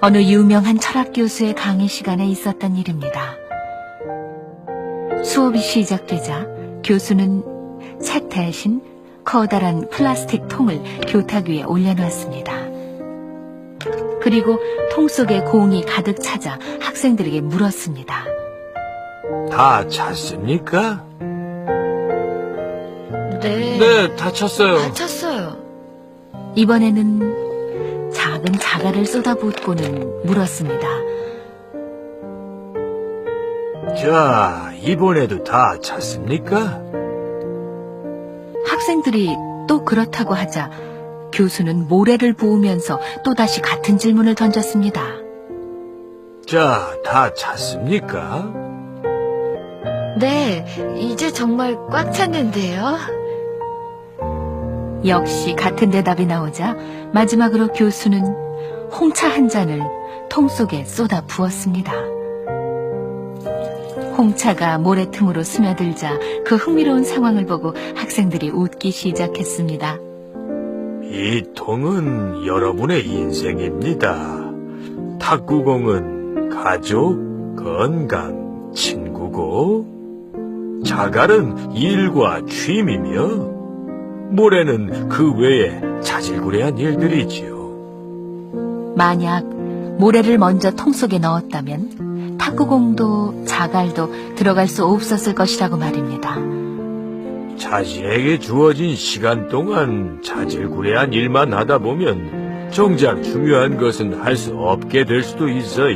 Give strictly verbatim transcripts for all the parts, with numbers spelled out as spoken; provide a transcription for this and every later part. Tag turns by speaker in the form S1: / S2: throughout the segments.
S1: 어느 유명한 철학 교수의 강의 시간에 있었던 일입니다. 수업이 시작되자 교수는 책 대신 커다란 플라스틱 통을 교탁 위에 올려놓았습니다. 그리고 통 속에 공이 가득 차자 학생들에게 물었습니다.
S2: 다 찼습니까?
S3: 네.
S2: 네, 다 찼어요.
S3: 다 찼어요.
S1: 이번에는 작은 자갈을 쏟아붓고는 물었습니다.
S2: 자, 이번에도 다 찼습니까?
S1: 학생들이 또 그렇다고 하자 교수는 모래를 부으면서 또다시 같은 질문을 던졌습니다.
S2: 자, 다 찼습니까?
S3: 네, 이제 정말 꽉 찼는데요.
S1: 역시 같은 대답이 나오자 마지막으로 교수는 홍차 한 잔을 통 속에 쏟아 부었습니다. 홍차가 모래 틈으로 스며들자 그 흥미로운 상황을 보고 학생들이 웃기 시작했습니다.
S2: 이 통은 여러분의 인생입니다. 탁구공은 가족, 건강, 친구고, 자갈은 일과 취미며, 모래는 그 외에 자질구레한 일들이지요.
S1: 만약 모래를 먼저 통 속에 넣었다면 탁구공도 자갈도 들어갈 수 없었을 것이라고 말입니다.
S2: 자신에게 주어진 시간 동안 자질구레한 일만 하다 보면 정작 중요한 것은 할 수 없게 될 수도 있어요.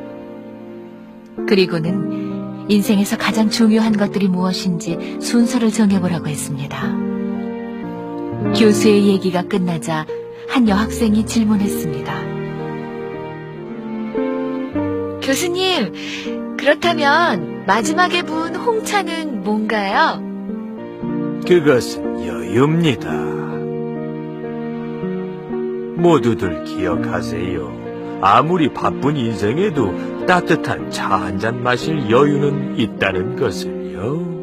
S1: 그리고는 인생에서 가장 중요한 것들이 무엇인지 순서를 정해보라고 했습니다. 교수의 얘기가 끝나자 한 여학생이 질문했습니다.
S3: 교수님, 그렇다면 마지막에 부은 홍차는 뭔가요?
S2: 그것은 여유입니다. 모두들 기억하세요. 아무리 바쁜 인생에도 따뜻한 차 한 잔 마실 여유는 있다는 것을요.